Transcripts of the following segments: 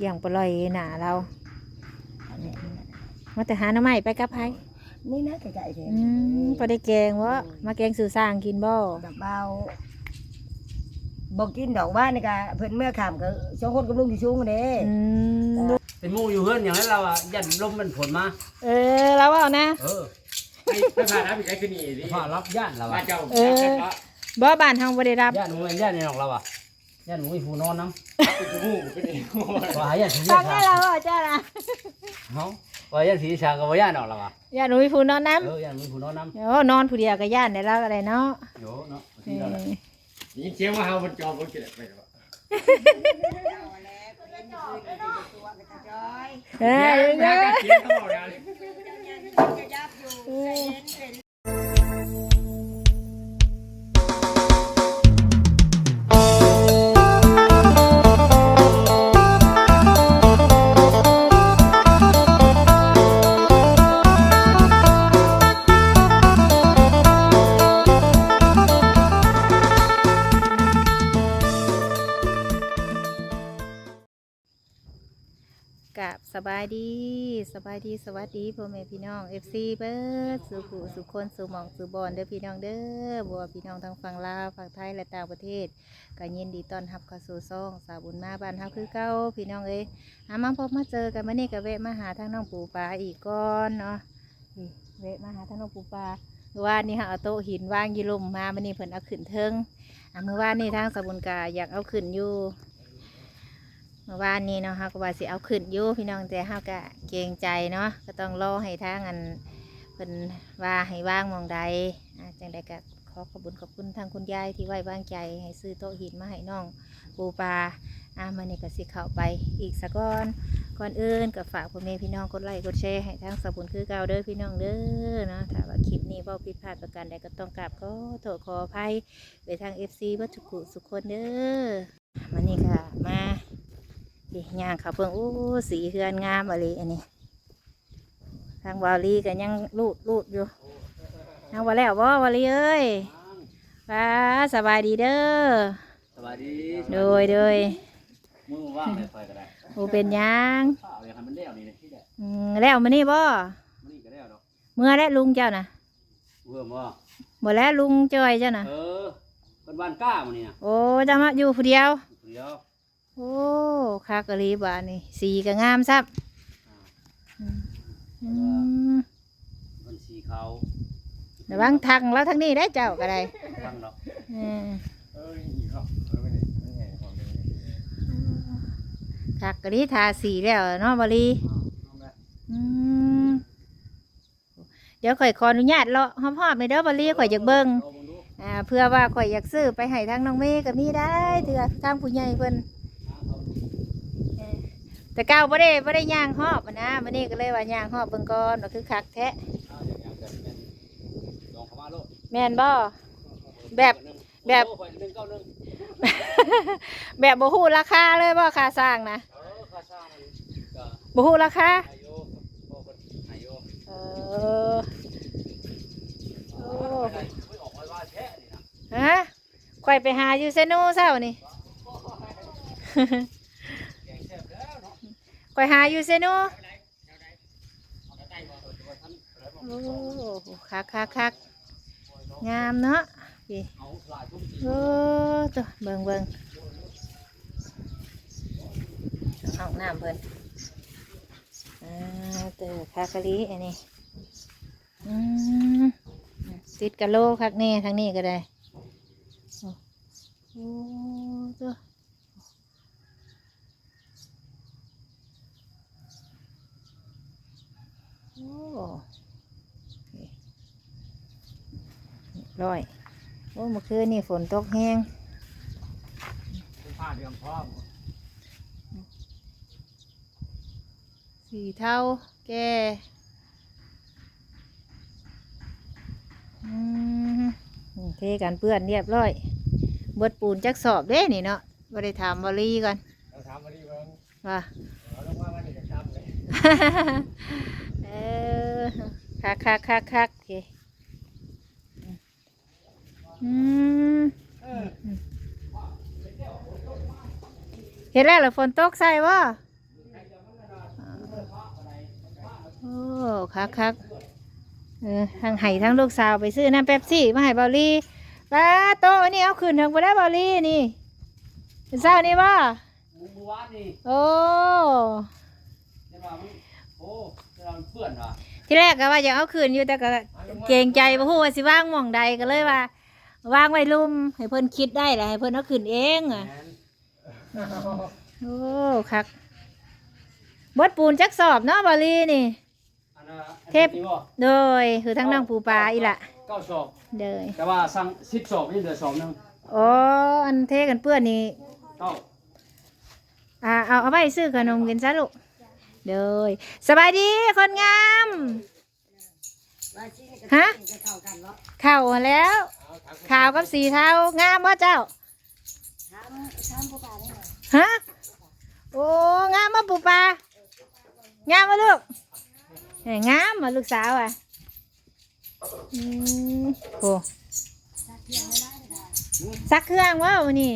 กี่ยงปล่อยหนาเรามาแต่หาหน้ำใหม่ไปกับไผนี่นะไก่ๆเถอะพอได้แกงวะมาแกงสู่สร้างกินบ่แบบเบาบอกกินดอกว่านี่กะเพิ่นเมื่อขำก็สองคนกับลุงที่ชุ่งเด้เป็นหมู่อยู่เฮือนอย่างนั้นเราอ่ะยันลมมันผลมาเราเอานะไม่ผ่านรับอีกไอ้คือนี่ดิผ่ารับย่านเราอ่ะเจ้าบ่บ้านทางบ่ได้รับย่านหมู่ย่านในนอกเราอ่ะย่านหมู่ผู้นอนน้ำเป็นหมู่เป็นเองว่าย่านสีทางนี้เราอ่ะจ้านะเนาะว่าย่านสีชางกับว่าย่านออกเราอ่ะย่านหนูผู้นอนน้ำย่านหมู่ผู้นอนน้ำนอนผู้เดียวกับย่านได้แล้วอะไรเนาะโยเนาะยินเสียงว่าเฮามันจอบมันเกิดไปหรอเฮ้ยเฮ้ยกับสบายดีสวัสดีพ่อแม่พี่น้อง FC เบิร์ดสุขุสุคนสุหมองสุบอนเด้อพี่น้องเด้อบัวพี่น้องทั้งฝั่งลาวฝั่งไทยและต่างประเทศก็ยินดีต้อนรับเข้าสู่ซ่องสาวบุญมาบ้านเฮาคือเก่าพี่น้องเอ้ยมาพบมาเจอกันมื้อนี้ก็แวะมาหาทางน้องปูปลาอีกก่อนเนาะแวะมาหาทางน้องปูปลาเมื่อวานนี้เอาโต๊ะหินวางยี่ลมมามื้อนี้เพิ่นเอาขึ้นเทิงเมื่อวานนี้ทางสาวบุญกาอยากเอาขึ้นอยู่เมื่อวานนี้เนาะฮะก็ว่าสิเอาขึ้นอยู่พี่น้องแต่ฮะก็เกรงใจเนาะก็ต้องรอให้ทางอันเพิ่นว่าให้ว่างมองใดจังใดก็ขอบคุณทางคุณยายที่ไว้วางใจให้ซื้อโต๊ะหินมาให้น้องปูปลามันนี่ก็สิเข้าไปอีกสักก่อนอื่นก็ฝากพ่อแม่พี่น้องกดไลค์กดแชร์ให้ทางสบุญคือเก่าเด้อพี่น้องเด้อเนาะถ้าว่าคลิปนี้เว้าผิดพลาดประการใดก็ต้องกราบขอโทษขออภัยไปทาง FC วัตถุกุสุขคนเด้อมันนี่ค่ะมาย่างเขาเพิ่งสีเฮือนงามอะไรอันนี้ทางวาลีก็ยังลูดอยู่ทางวาแล้ววาลีเอ้ยสบายดีเด้อสบายดีโดยมือว่างเลยไฟก็ได้เป็นยังอย่างมันเลี้ยวนี่ที่แหละแล้วมานี่บ่นี่ก็แล้วดอกเมื่อแล้วลุงเจ้านะบ่แล้วลุงจอยเจ้านะเป็นบ้านก้ามันนี่นะโอ้จะมาอยู่ผู้เดียวโอ้คากะลีบานี่สีก็งามซับมันสีขาวระวังทางแล้วทางนี้ได้เจ้าก็ได้ทางเนาะคากะลีทาสีแล้วเนาะบาลีเดี๋ยวข่อยขออนุญาตเลาะหอมๆในเด้อบาลีข่อยอยากเบิ่งเพื่อว่าข่อยอยากซื้อไปให้ทางน้องเมย์กับนี่ได้เถื่อทางผู้ใหญ่เพิ่นแต่ก้าวบ่ได้ย่างหอบนะมันนี่ก็เลยว่าย่างหอบเบิ่งก่อนก็คือคักแท้แม่นบ่แบบบ่ฮู้ราคาเลยบ่ค่าสร้างนะบ่ฮู้ราคาข่อยไปหาอยู่เซโนเช้านี่ข่อยหาอยู่เซโนโอ้คักงามเนาะโอ้ตัวเบิ่งห้องน้ำเพิ่นตัวคากะลีอันนี้ติดกะโลคักแน่ทางนี้ก็ได้โอ้ตัวร้อยเมื่อคืนนี่ฝนตกแห้งผ้าเดือมพร้อมสีเทาแก่เทกันเปื้อนเรียบร้อยเบิดปูนจักสอบเด้นี่เนาะบ่ได้ถามวลีกันถามวลีเบิ่งว่าลงมาวันนี้ก็ทำเลยคักโอเคเห็นแล้วเหรอฝนตกใส่บ่โอ้คักทั้งไห้ทั้งลูกสาวไปซื้อน้ำเป๊ปซี่มาให้เบาลี่ป้าโตะอันนี้เอาขึ้นถึงไปได้เบาลี่นี่เป็นเศร้านี่บ่หมู่บ้านนี่โอ้ได้ว่ามันโอ้เราเพื่อนว่ะที่แรกก็ว่าอยากเอาขึ้นอยู่แต่ก็เกรงใจบ่ฮู้ว่าสิว่างหม่องใดก็เลยว่าวางไว้ลุ่มให้เพิ่นคิดได้แหละให้เพิ่นเอาขึ้นเองอ่ะแม่นโอ้คักบดปูนจักสอบเนาะเบาลี่นี่อันน่ะเทพนี่บ่โดยคือทั้งน้องปูปลาอีหละ 9ศอกเดยแต่ว่าสั่ง10ศอกนี่เหลือศอกนึงอ๋ออันเทกันเปื้อนนี่เก้าเอาไปซื้อขนมกินซะลูกเดยสบายดีคนงามฮะข่าวแล้วข่าวกับสีเท้างามบ่เจ้าฮะโอ้งามบ่ปูปลางามบ่ลูกงามบ่ลูกสาวอ่ะโอ้ซักเครื่องวะวันนี้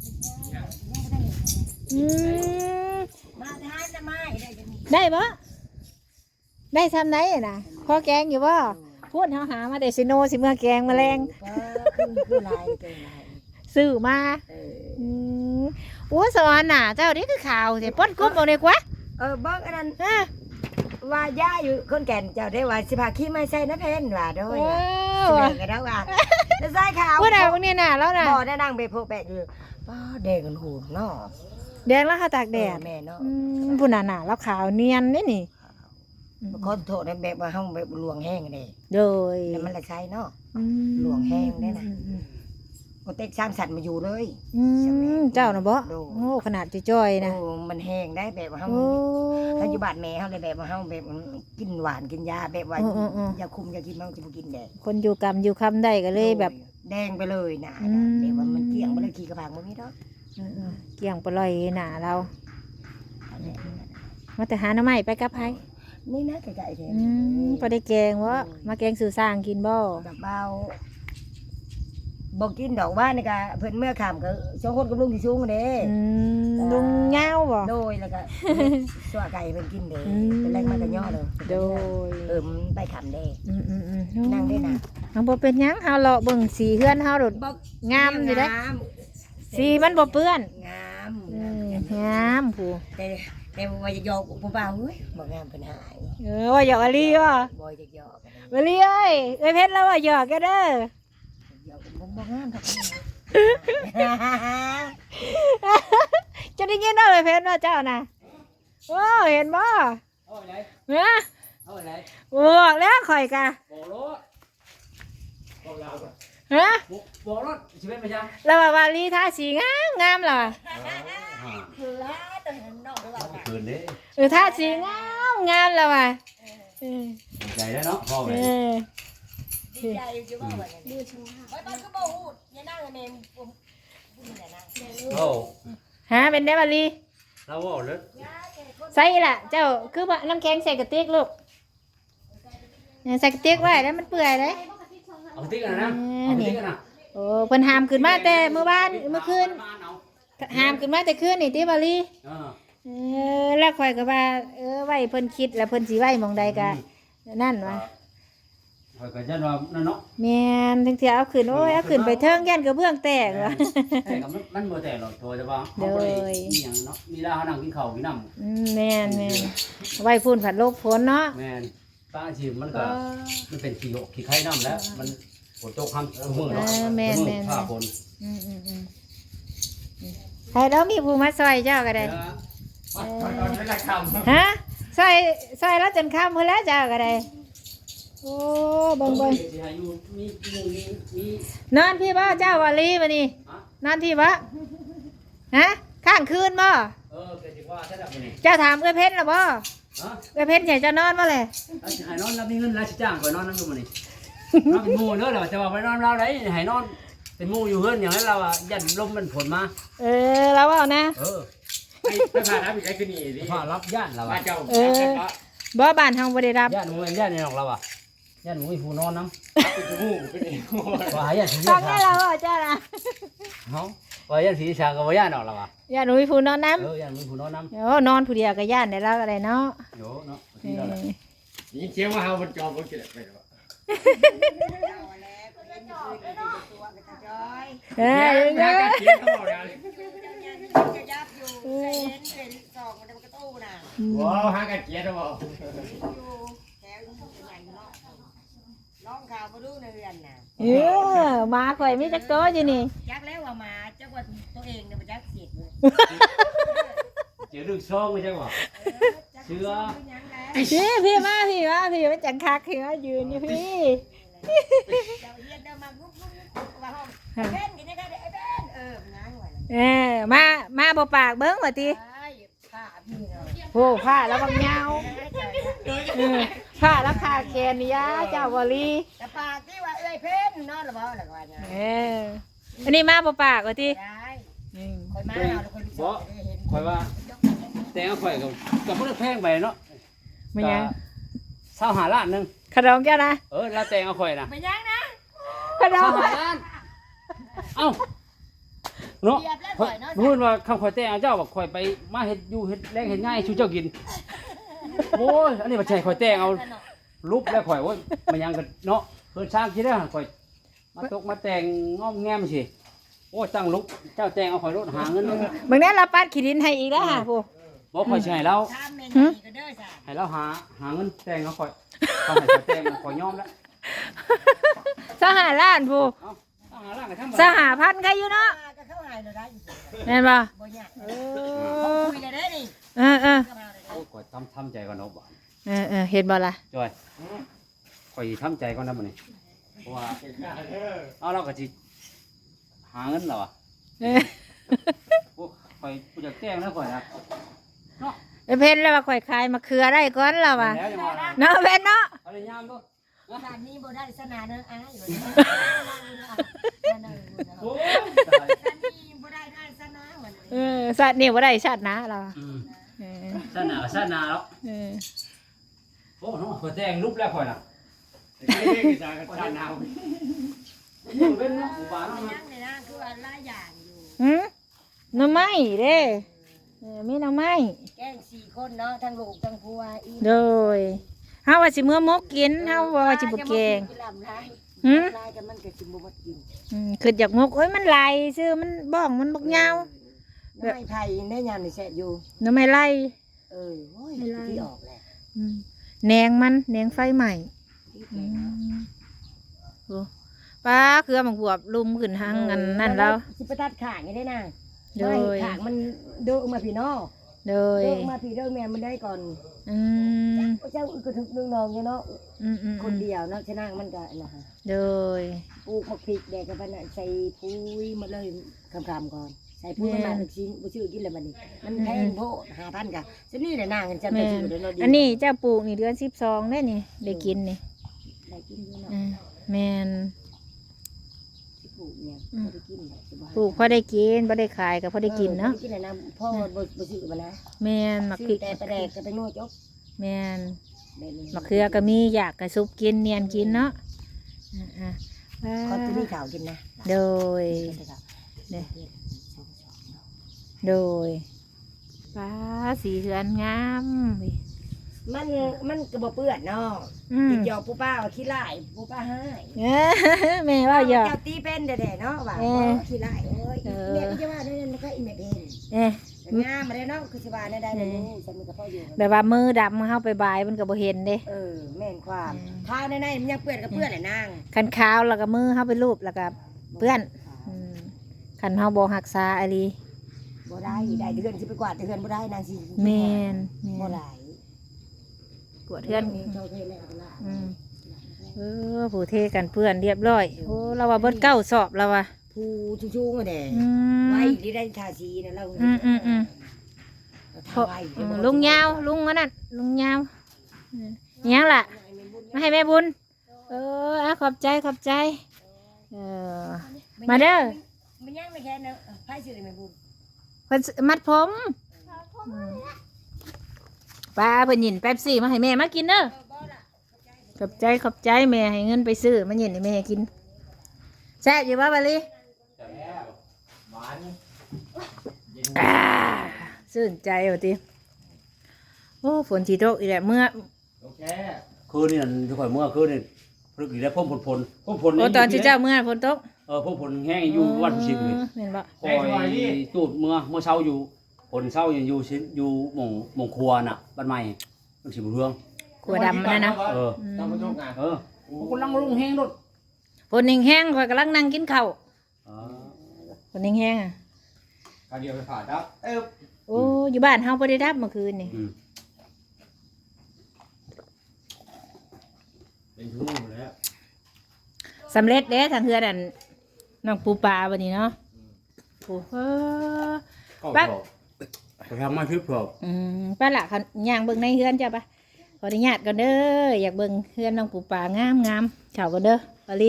มาทานจะไม่ได้จะมีได้ปะได้ทำไหนน่ะพอแกงอยู่ปะพูดหามาแต่ซิโนสิเมื่อแกงแมลงคือลายเป็นลายซื้อมาโอ้สอนน่ะ เจ้านี่คือข่าวเสียป้นกุ้มเอาเลยกว่าเบิ้งอันนั้นว่าย่าอยู่คนแก่นเจ้าได้ว่าสิพาขี้ไม่ใช่นะเพนว่าด้วยเสนอกันแล้วว่าจะใส่ข่าวพูดอะไรพวกนี้น่ะแล้วน่ะบ่ได้นั่งไปโพแปะอยู่ป้าแดงกันหูเนาะแดงแล้วค่ะตากแดดแม่เนาะพูดน่ะแล้วขาวเนียนนี่นี่ขอโทษนะแบบว่าห้องแบบหลวงแห้งเลยโดยแล้วมันละใช้เนาะ หลวงแห้งได้น่ะ ก็เต็กสร้างสัตว์มาอยู่เลยเจ้าน่ะบ่โอ้ขนาดจ้อยๆนะโอ้มันแห้งได้แบบว่าห้องโอ้ถ้าอยู่บ้านแม่เขาเลยแบบว่าเขาแบบกินหวานกินยาแบบว่าอืมยาคุมยากินมันจะบ่กินแดงคนอยู่กรรมอยู่คำได้ก็เลยแบบแดงไปเลยนะอืมแบบว่ามันเกลี้ยงไปเลยขี้กระพังมันนี่เนาะเกี่ยงปล่อยหนาเรามาแต่หาหน้ำใหม่ไปกับไผนี่นะไก่ๆเท่พอได้แกงวะมาแกงสู่สร้างกินบ่แบบเบาบอกกินดอกว่านี่ก็เพิ่นเมื่อขำก็สองคนกับลุงที่สูงเด้ลุงเงาบ่โดยแล้วก็สัวไก่เพิ่นกินเด้อืมเป็นแรงมากก็ย่อเลยโดยมันไปขำเด้นั่นั่งได้นะเอาบ่เป็นหยังเฮาเลาะเบิ่งสีเฮือนเฮาโดด งามอยู่เด้ สีมันบ่เปื้อนงามงามผู้แต่ว่าจะยอกผู้บ่าวเฮ้ยบ่งามเพิ่นหายว่าหยอกอลีบ่บ่จะยอกอลีเอ้ยเพชรแล้วว่าหยอกแกเด้อยอกบ่งามทักจะได้ยินเอาเพชรว่าเจ้าน่ะโอ้เห็นบ่เอาไปไหนเฮ้ยเอาไปไหนบอกแล้วข่อยกะบอกรถบอกเราฮะบอกรถชีวิตไม่ใช่แล้วว่าวาลีทาสีงามงามเหรอคือลาตอนนั้นนอกเราคืนนี้ทาสีงามงามแล้วว่ะใจแล้วเนาะพ่อไปดีใจอยู่บ่ว่าดีชูไปบ้านก็บ่ฮู้อย่านั่งแม่ผมนี่แหละนะโอ้ฮะเป็นได้วาลีเราบอกเลยใส่ล่ะ เจ้าคือว่าน้ำแข็งใส่กระติกลูกใส่กระติกไว้แล้วมันเปื่อยเลยเอาติ๊กกันนะเอาติ๊กกันนะโอ้เพิ่นหามขึ้นมาแต่เมื่อวานเมื่อคืนหามขึ้นมาแต่คืนนี่ติวาลีแล้วข่อยก็ว่าไว้เพิ่นคิดแล้วเพิ่นสิไว้หม่องใดก็นั่นวะคอยกันยันว่านั่นเนาะแม่นถึงสิเอาขึ้นโอ้ยเอาขึ้นไปเทิงยันกระเบื้องแตกว่ะแต่กับมันบ่แต่หรอกตัวจะว่าเขาบ่ได้มีหยังเนาะมีลาเขานั่งกินข้าวกินน้ำแม่นไว้พูนผัดโลกฝนเนาะแม่นป้าอาชีพมันก็มันเป็นขี้โยกขี้ไข่น้ำแล้วมันฝนตกคำมือเนาะมือผ้าฝนใครแล้วมีผู้มาซอยเจ้าก็ได้ตอนไม่ได้ทำฮะซอยแล้วจนค่ำเพิ่นแล้วเจ้าก็ได้โอ้เบิ่งนอนพี่บ่เจ้าวาลีมานี่นอนพี่บ่ฮะข้างคืนบ่เป็นจังว่าใช่ดับนี่เจ้าถามเอ้ยเพชรล่ะบ่ฮะเอ้ยเพชรใหญ่จะนอนบ่เลยให้นอนรับมีเงินราชจ้างก่อนนอนนั่งดูมานี่นอนเป็นหมู่เด้อเหรอจะว่าไปนอนเราได้ให้นอนเป็นหมู่อยู่เฮือนอย่างนั้นเราอ่ะยันลมมันผลมาแล้วเอานะไม่ผ่านนะพี่ไอ้ขึ้นนี่ดิผ้ารับย่านเราบ้าอ่ะนเจ้าบ่บ้านเฮาบ่ได้รับย่านหมูย่านนี่ของเราอ่ะย่านหมูมีผู้นอนน้ำเป็นหูเป็นเองว่าย่านสีฟังชาได้แล้วเจ้านะเฮาว่าย่านสีชากับว่าย่านออกเราอ่ะย่าหนูมีผู้นอนน้ำย่านมีผู้นอนน้ำโอ้นอนผู้เดียวก็ย่านได้แล้วก็ได้เนาะโยเนาะเออยินเสียงว่าเฮามันจอมมันกินไปแล้วเอ้ยเดี๋ยวเสียงเขาบอกนะว้าวหากันเกียร์แล้วบ่น้องข่าวมาดูในเรือนน่ะมาข่อยมีจักโตอยู่นี่จักแล้วว่ามาจักว่าตัวเองเนี่ยมาจักเสียดเลยเจอดึกซองไม่ใช่บ่เชื่อพี่มามันจังคักพี่มายืนอยู่พี่เจ้าเฮียนเดินมากุ๊กว่าห้องเล่นกันยังไงไอ้เล่นนั่งไว้มาบ่ปากเบิ้งว่าติผ้าพี่เนาะโอ้ผ้าแล้วบางยาวผ้าแล้วขาแกนนี่ยาเจ้าบ่ลีแต่ปากที่ว่าเอ้ยเพ่นนอนหรือเปล่าหรือว่าเนี่ยอันนี้มาบ่ปากว่าติได้คอยมาเอาแล้วคนรู้สึกได้เห็นข่อยว่าแต่งข่อยกับพวกแพงไปเนาะมันยัง 25ล้านนึงขนมแก้วนะแล้วแต่งเอาข่อยนะไม่ยังนะขนม 25ล้านเอ้าเนาะพูดว่าคำข่อยแต่งเอาเจ้าบอกข่อยไปมาเฮ็ดอยู่เฮ็ดแรงเฮ็ดง่ายชูเจ้ากินโอ้ยอันนี้บ่ใช่ข่อยแต่งเอารูปแล้วข่อยโอ้ยมันยังกันเนาะเพิ่นสร้างคิดได้ข่อยมาตกมาแต่งง้อมแง้มสิโอ้ยตั้งลุกเจ้าแต่งเอาข่อยรถหาเงินบางนี้เราปัดขี้ดินให้อีกแล้วค่ะผู้บ่ข่อยสิให้เราทำเมนูก็เด้อจ้ะให้เราหาเงินแต่งเอาข่อยเขาให้ข่อยแต่งข่อยยอมแล้วสหล้านผู้เอ้าต้องหาร่างกันทั้งหมด 1,000ใครอยู่เนาะก็เข้าหายเลยได้แม่นบ่บ่ยากคุยเลยได้นี่เออโอ้ยข่อยทำใจก่อนเนาะบ่เห็นบ่ล่ะจอยข่อยทำใจก่อนนะมื้อนี้เพราะว่าเอาเราก็สิหาเงินแล้วอ่ะโอ้ข่อยผู้จักแต่งนะข่อยนะเนาะเพิ่นแล้วว่าข่อยขายมะเขือได้ก่อนแล้วว่ะแล้วจังว่าเนาะเพิ่นเนาะเอาเลยยามดูด้านนี้บ่ได้สนาเด้ออ้ายอยู่โอ้ยด้านนี้บ่ได้ได้สนาเหมือนสัตว์นี่บ่ได้สัตว์นะเราซ่านหนาแล้วโอ้เนาะข่อยแต่งรูปแล้วข่อยน่ะไม่ได้กินจานกันจานหนาวมันเป็นเนาะหมู่บ้านเนาะนั่งเลยนะคือว่าหลายอย่างอยู่หน่อไม้เด้มีหน่อไม้แกง4คนเนาะทั้งลูกทั้งผัวอีโดยเฮาว่าสิมื้อมกกินเฮาว่าสิบ่แกงลายกันมันก็สิบ่หมดกินคืออยากมกโอ้ยมันไหลซื่อมันบ้องมันบักยาวน้ำไม้ไผ่ได้ยามนี่แซ่บอยู่หน่อไม้ไหลโอ้ยที่ออกแหละแหนงมันแหนงไฟใหม่โอ้ป้าเครือมังบวบลุมขึ้นทางอันนั่นแล้วสิไปตัดขางได้นะโดยขางมันเดินมาพี่น้องโดยเดินมาพี่เดินแม่มันได้ก่อน เจ้าก็ถึงนึงนองเนาะคนเดียวเนาะชนะมันก็นะฮะโดยปลูกผักพริกแดกกันไปน่ะใส่ปุ๋ยหมดเลยคำๆก่อนใส่ปุ๋ยมาถึงชิ้นบ่ชื่อกินเลยมันนี่มันแพงโพด5,000กะซะนี่แหละนางกันจำแม่ได้ชื่อเด้อเนาะอันนี้เจ้าปลูกนี่เดือน12ได้นี่ได้กินนี่ได้กินอยู่เนาะแม่นสิปลูกเนี่ยบ่ได้กินสบายปลูกพอได้กินพอได้ขายก็พอได้กินเนาะกินเลยนะพ่อบ่ซื้อมานะแม่นมักพริกแต่ไปแดกก็ไปโน่จบแม่นมะเขือก็มีอยากกระซุปกินเนียนกินเนาะเขาจะมีข่าวกินนะโดยโดยป้าสีเหือนงามมันก็บ่เปื้อนเนาะติดหยอกผู้ป้าว่าขี้ไล่ผู้ป้าให้แม่ว่าอย่าเจ้าตีเป็นแด่ๆเนาะว่าขี้ไล่โอ้ยแม่ก็จะว่าได้มันก็อีแม่เป็นงามมาได้เนาะคือสิว่าได้เลยฉันมีกับพ่ออยู่แบบว่ามือดำเข้าไปบายมันก็บ่เห็นเด้แม่นความข้าวในมันยังเปื้อนกับเปื้อนแหละนางคันขาวแล้วก็มือเข้าไปรูปแล้วก็เพื่อนคันเฮาบ่รักษาอะลีบ่ได้ได้เดือนสิไปกวาดเดือนบ่ได้นางสิแม่นบ่ได้กวดเพื่อนเจ้าเทแล้วล่ะผู้เทกันเพื่อนเรียบร้อยโอ้เราว่าเบิดเก้าสอบแล้วว่ะผู้ชูงๆอ่ะแด่ไว้ที่ได้ทาสีนะเราลุงยาวลุงอันนั้นลุงยาวยังล่ะมาให้แม่บุญขอบใจมาเด้อมันยังไม่แค่นะไพ่ชื่อแม่บุญเพิ่นมัดผมป้าเพิ่นหยินแป๊บซี่มาให้แม่มากินเด้อขอบใจแม่ให้เงินไปซื้อมาหยินให้แม่กินแซ่บอยู่ป่ะบาลีซื่นใจว่ะติโอ้ฝนสิตกอีกแล้วเมื่อโอเคคคืนนี่นั่นที่ข่อยเมื่อคืนนี่พลึกอีกแล้วพ่มพลพ่มโอ้ตอนที่เจ้าเมื่อฝนตกพ่มพลแห้งอยู่วันผู้ชิมเลยเห็นบ่คอยตูดเมื่อเช้าอยู่ผลเช้าอยู่ชิ้นอยู่หม่องครัวน่ะบ้านใหม่มันสิบ่เรื่องขัวดำนั่นนะทำมาทุกงานกูลังลงแห้งรถฝนแห้งๆข่อยกำลังนั่งกินข้าวฝนแห้งๆอ่ะการเดียวไปผ่าดับโอ้อยู่บ้านเฮาบ่ได้ดับเมื่อคืนนี่เป็นชั่วโมงแล้วสำเร็จเด้ทางเฮือนนั่นน้องปูปลาวันนี้เนาะโอ้โหไปทำมาทึบพอป้าละเขาย่างเบิ่งในเฮือนจ้ะปะขออนุญาตก่อนเด้ออยากเบิ่งเฮือนน้องปูปลางามเฉาก่อนเด้อปาลี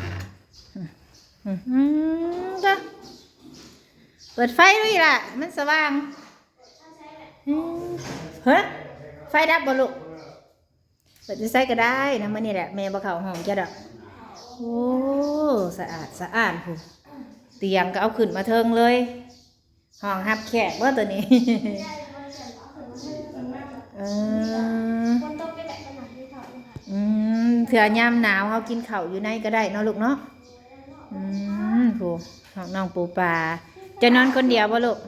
จ้ะเปิดไฟด้วยล่ะมันสว่างเฮ้ยไฟดับบ่ลูกเปิดไฟก็ได้นะมันนี่แหละแม่บ่เข้าห้องจ้ะดอกโอ้สะอาดผู้เตียงก็เอาขึ้นมาเทิงเลยห้องรับแขกว่าตัวนี้เถื่อยามหนาวเขากินข้าวอยู่ในก็ได้เนาะลูกเนาะผู้ของน้องปูปลาจะนอนคนเดียวบ่ลูก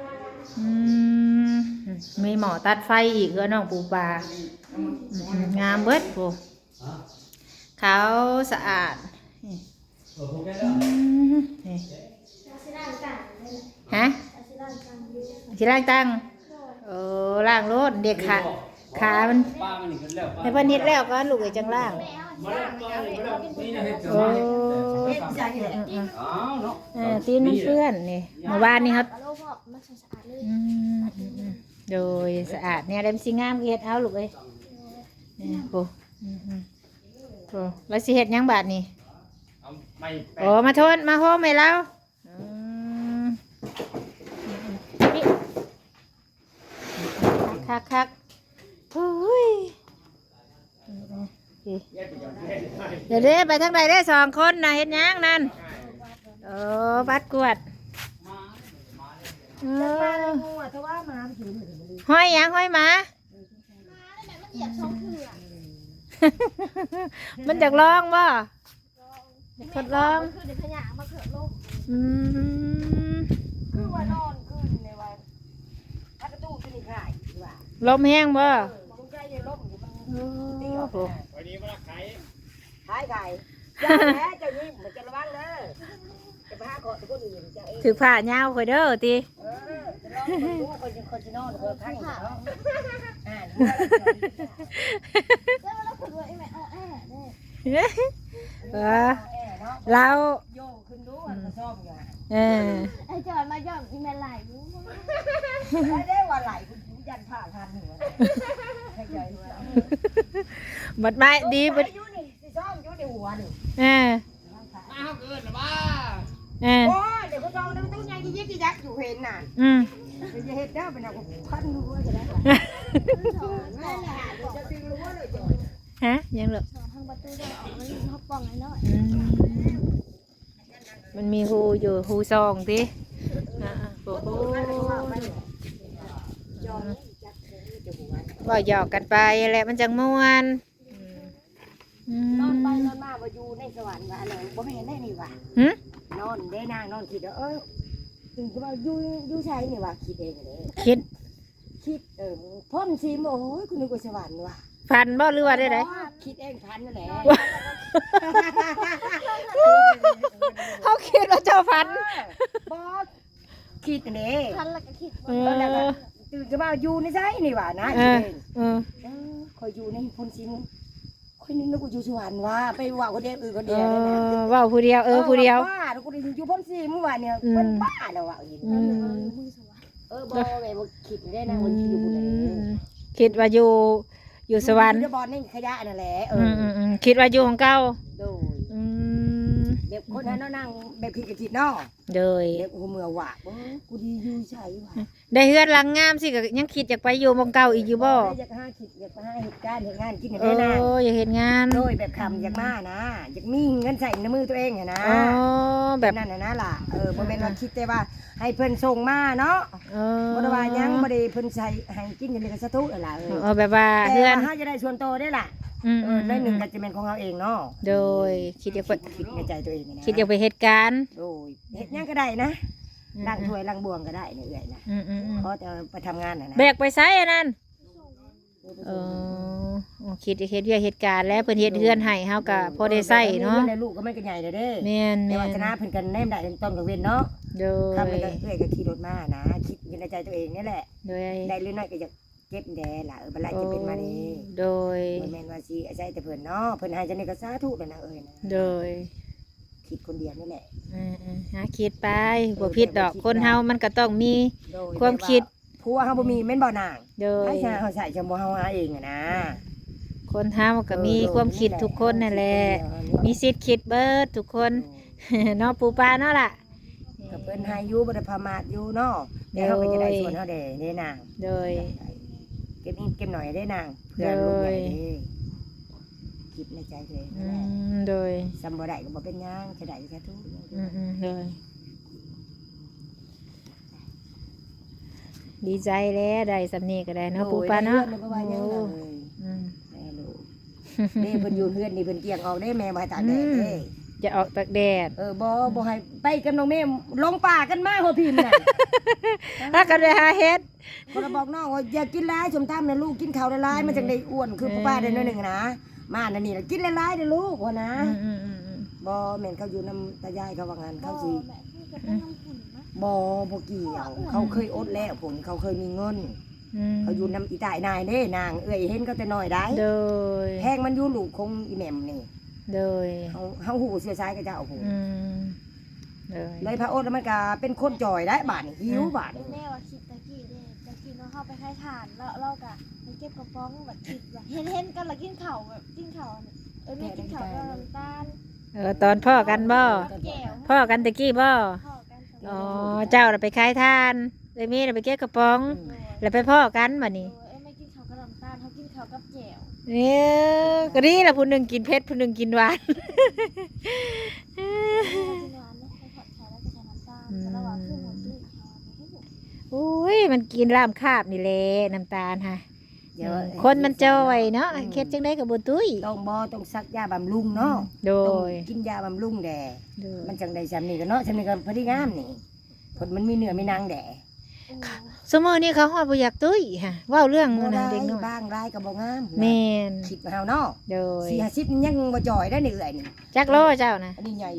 มีหมอตัดไฟอีกเพื่อน้องปูปลางามเบิดผู้เขาสะอาดฮะชิล่างตั้งล่างรถเด็กขามันในพันนิดแล้วก็ลูกไอ้จังล่างตีนมันเปื้อนนี่เมื่อวานนี่ครับโดยสะอาดเนี่ยเดมซีงามเฮ็ดเอาลูกเอ้ยนี่โอ้แล้วสิเฮ็ดยังบาดนี่โอ้มาโทษมาโฮมให้เราคักเฮ้ยเดี๋ยวไปทางใดได้2 คนนะเฮ็ดยังนั่นบัดกวดห้อยยังห้อยหมามันอยากลองบ่ทดลองลมแห้งบ่วันนี้มาลักไข่ขายไก่จะแพ้จะยิ้มจะระวังเลยจะไปหาคนคนอื่นจะเองถือผ้าเงาคอยเด้อตีจะลองดูคนจะนอนคนข้างเนาะเราโยกขึ้นดูมันซ่อมอยู่ไอ้จอยมาย่อมอีเมลไหลรู้ไม่ได้ว่าไหลคุณยันผ่าทันหัวให้ใจหัวบัดไม้ดีบัดอยู่นี่สิซ่อมอยู่ในหัวนี่มาเกินหรือบ้าโอ้ยเดี๋ยวเขาซ่อมน้ำตู้ใหญ่ยิ่งยักษ์อยู่เห็นน่ะจะเห็นได้เป็นอะไรพันรู้ว่าจะได้จะดึงรู้ว่าเลยจอยฮะยังเหรอทางประตูจะออกมันเขาป้องไอ้น้อยมันมีหูอยู่หูซองติโอ้โหบ่หยอกกันไปแหละมันจังม่วนนอนไปนอนมาว่าอยู่ในสวรรค์ว่าอะไรบ่แม่นได้นี่ว่ะนอนได้นางนอนคิดถึงว่าอยู่ใช่นี่ว่ะคิดเองเลยคิดพ่นซีโอ้ยคุณนึกว่าสวรรค์ว่ะฟันบ่หรือว่าได้คิดเองพันนั่นแหละเขาคิดว่าเจ้าฟันบ่คิดนี่พันแล้วก็คิดตื่นก็ว่าอยู่ในไสนี่ว่ะนะคิดเองคอยอยู่ในพ่นซีคอยนึกว่าอยู่สวรรค์ว่ะไปว่าคนเดียวคนเดียวได้นะว่าผู้เดียวผู้เดียวบ้ากูอยู่พ่นซีเมื่อวานเนี่ยมันบ้าแล้วว่ะบ่แม่บ่คิดได้นะมันอยู่บ่ได้คิดว่าอยู่สวรรค์บอลนี่ขยะนั่นแหละคิดว่าอยู่ของเก่าโดยแบบคนนั้นนั่งแบบคิดเนาะโดยแบบหัวเมื่อว่ะกูดีอยู่ใช่ว่ะได้เฮือนหลังงามสิก็ยังคิดอยากไปอยู่หม้องเก่าอีกอยู่บ่อยากหาคิดอยากไปหาเหตุการณ์เหตุงานกินได้นะอยากเฮ็ดงานโดยแบบคำอยากมานะอยากมีเงินใส่ในมือตัวเองนะแบบนั้นนะล่ะบ่แม่นว่าคิดแต่ว่าให้เพิ่นส่งมาเนาะบ่ได้ว่ายังบ่ได้เพิ่นใส่ให้กินอย่างนี้ก็สะทุนั่นล่ะแบบว่าเฮือนเฮาจะได้ส่วนโตได้ล่ะได้หนึ่งก็จะเป็นของเราเองเนาะโดยคิดอยากไปคิดในใจตัวเองนะคิดอยากไปเหตุการณ์โดยเฮ็ดหยังก็ได้นะล้างถ้วยล้างบวงก็ได้เนี่ยเอื้อยนะ เพราะจะไปทำงานน่ะนะแบกไปไสอันนั้นเออคิดเฮ็ดเวียกเหตุการณ์แล้วเพิ่นเฮ็ดเฮือนให้เฮาก็พอได้ใช้เนาะลูกก็ไม่ก็ใหญ่เลยเด้แม่นแต่ว่าชนะเพิ่นกันแนมได้ต้นกับเว้นเนาะโดยครับแล้วก็เอื้อยก็ขี่รถมานะคิดอยู่ในใจตัวเองนี่แหละโดยได้หรือน้อยก็จะเก็บแดล่ะบัดไรจะเป็นมานี่โดยบ่แม่นว่าสิอาศัยแต่เพิ่นเนาะเพิ่นให้จังได๋ก็สาธุเลยนะเอ้ยนะโดยคิดคนเดียวนี่แหละหาคิดไปบ่ผิดดอกคนเฮามันก็ต้องมีโดยความคิดผัวเฮาบ่มีแม่นบ่นางโดยให้ชาเฮาใส่จำบ่เฮาหาเองอะนะคนเฮาก็มีความคิดทุกคนนั่นแหละมีสิทธิ์คิดเบิดทุกคน เนาะปูปลาเนาะล่ะก็เพิ่นให้อยู่บ่ได้ประมาทอยู่เนาะเดี๋ยวเฮาก็จะได้ส่วนเฮาเด้นางโดยเก็บนิดเก็บหน่อยได้นางเพื่อนลูกใหญ่เด้คิดในใจตัวเองนั่นแหละโดยซ้ำบ่ได้ก็บ่เป็นหยังจะได้แค่ทุกโดยดีใจแล้วได้สำเนีก็ได้เนาะปูปลาเนาะโอ้ยได้เงินบ่ว่าหยังเลยอืมแม่ลูกนี่เพิ่นอยู่เฮือนนี่เพิ่นเกลียงออกได้แม่บ่ให้ตากแดดเด้จะออกตากแดดบ่ให้ไปกับน้องแม่ลงป่ากันมาหัวพิมพ์น่ะถ้าก็ได้หาเฮ็ดคนละบอกน้องว่าอย่ากินหลายสมตำนะลูกกินข้าวหลายๆมันจังได้อ้วนคือป้าได้น้อยหนึงนะมานั่นนี่ล่ะกินหลายๆเด้อลูกว่านะบ่แม่นเขาอยู่นำตายายเขาว่างั้นเขาสิแม่พี่ก็เป็นน้ำผุ่นนะบ่เกี่ยวเขาเคยอดแล้วผลเขาเคยมีเงิน เขาอยู่นำอีตายนายเด้นางเอ้ยเห็นก็แต่น้อยได้โดยแพงมันอยู่ลูกคงอีแหม่มนี่โดยเฮาหูเสียสายกับเจ้าโอ้โหโดยเลยพระโอษฐ์มันก็เป็นคนจ่อยได้บาดนี่หิวบาดนี่แม่ว่าคิดตะกี้เด้ตะกี้เนาะเข้าไปให้ทานแล้วเราก็ไปเก็บกระป๋องแบบคิดว่าเห็นกันแล้วกินข้าวแบบกินข้าวเนี่ยแม่กินข้าวกับน้ำตาลตอนพ่อกันบ่แก้วพ่อกันตะกี้บ่พ่อกันสองอ๋อเจ้าน่ะไปขายทานเลยมีน่ะไปเก็บกระป๋อง แล้วไปพ่อกันบัดนี้ไม่กินข้าวกับน้ำตาลเขากินข้าวกับแก้วก็ดีล่ะผู้หนึงกินเผ็ดผู้หนึงกินหวานกินหวานเนี่ยให้ผัดไทยแล้วก็ใส่น้ำตาลแต่ระหว่างคือหมดด้วยโอ้ยมันกินลามคาบนี่แหละน้ำตาลฮะเดี๋ยวคนมันจอยเนาะเค็ดจังได้กับบุตุ้ยต้องซักยาบำรุงเนาะโดต้องยกินยาบำรุงแดโดยมันจังได้จำนี่ก็เนาะจำนี่ก็พอดีงามนี่ผลมันมีเนื้อมีนางแดสมมตินี่เขาฮอดบ่อยากตุ้ยฮะเว้าเรื่องบ่นั้นได้เด็กน้อยบ้างรายก็บ่งามแม่นคิดมาเฮาเนาะโดย 40ยังบ่จ่อยได้นี่เอื้อยนี่จักโลเจ้านะอันนี้ใหญ่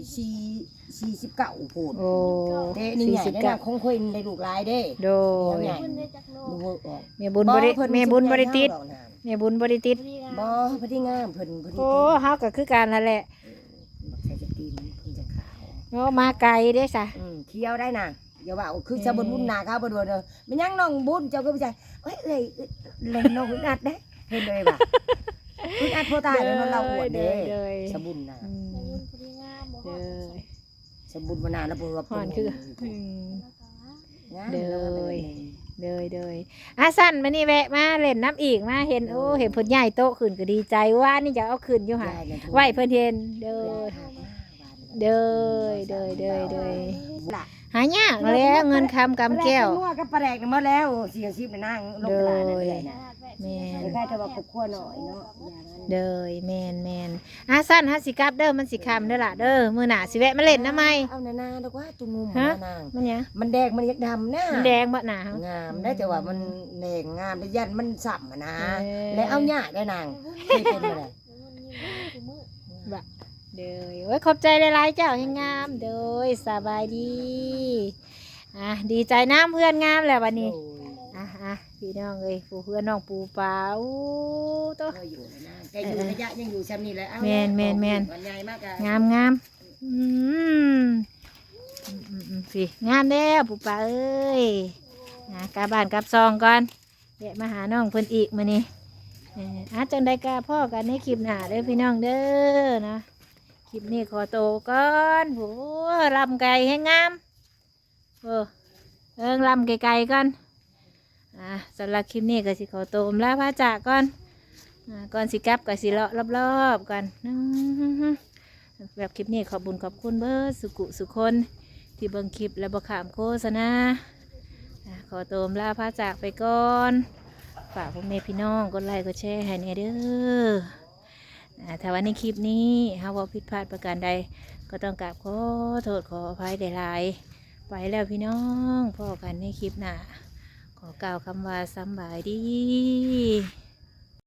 49พูนโอ้เด้นี่ใหญ่ได้นะคงค่อยได้ลูกหลายเด้โดยใหญ่คุณได้จากโลดูกออกแม่บุญบ่ได้แม่บุญบ่ได้ติดแม่บุญบ่ได้ติดบ่พอดีงามเพิ่นพอดีโอ้เฮาก็คือกันนั่นแหละใส่จะตีนเพิ่นจะขาวโอ้มาไกลเด้ซะเคี้ยวได้น่ะอย่าว่าคือชาวบุญนาเขาบ่ดูเด้อมันยังน้องบุญเจ้าก็บ่ใจเอ้ยเล่นน้องอึดอัดเด้เห็นเลยว่าอึดอัดโพตายแล้วเราอวดเด้ชาวบุญน่ะในรุ่นพอดีงามบ่ฮอดชาวบุญมานานแล้วบ่ว่าฮ้อนคือแล้วก็ว่าเด้อเลยสั้นมื้อนี้แวะมาเล่นน้ำอีกมาเห็นโอ้เห็นเพิ่นใหญ่โตขึ้นก็ดีใจว่านี่จะเอาขึ้นอยู่ห่าไหวเพิ่นเห็นเด้อเด้อหายากแล้วเงินคำกำแก้วนัวกับปลาแดกนี่หมดแล้วเสียชีพในนางลงตลาดนั่นเลยนะแม่นคล้ายๆแต่ว่าครอบครัวหน่อยเนาะอย่างนั้นเด้อแม่นสั้นฮะสิกลับเด้อมันสิคำเด้อล่ะเด้อมื้อหน้าสิแวะมาเล่นนะไหมเอานาดอกว่าตุ้มมุมฮะนางมันหยังมันแดงมันยักดำนะมันแดงบ่หนางามได้แต่ว่ามันแดงงามได้ยันมันสับอะนะเออแล้วเอาหญ้าได้นางเคยเป็นมาเลยบะเด้อโอ้ยขอบใจหลายๆเจ้าให้งามเด้อสบายดีดีใจน้ำเพื่อนงามแล้ววันนี้พี่น้องเอ้ยปู่เพื่อนน้องปู่ปลาอู้โตเคยอยู่นะแต่อยู่ระยะยังอยู่ซ้ำนี่แหละเอาแม่นวันใหญ่มากอะงามสิงามแล้วปู่ปลาเอ้ยกลับบ้านกลับซองก่อนเดี๋ยวมาหาน้องเพิ่นอีกมื้อนี้จังได้กะพ่อกันในคลิปหน้าเด้อพี่น้องเด้อนะคลิปนี้ขอโตวก่อนโหลำไก่ให้งามลำไก่ๆก่อนสำหรับคลิปนี้ก็สิขอโตวลาพระจากก่อนก่อนสิกลับก็สิเลาะรอบๆกันแบบคลิปนี้ขอบคุญขอบคุณเบิร์สุกุสุคนที่เบิ่งคลิปและบ่ขามโฆษณาขอโตวลาพระจากไปก่อนฝากพ่อแม่พี่น้องกดไลค์กดแชร์ให้แน่เด้อถ้าว่าในคลิปนี้เฮาเว้าผิดพลาดประการใดก็ต้องกราบขอโทษขออภัยหลายๆไปแล้วพี่น้องพอกันในคลิปหน้าขอกล่าวคำว่าสำบายดี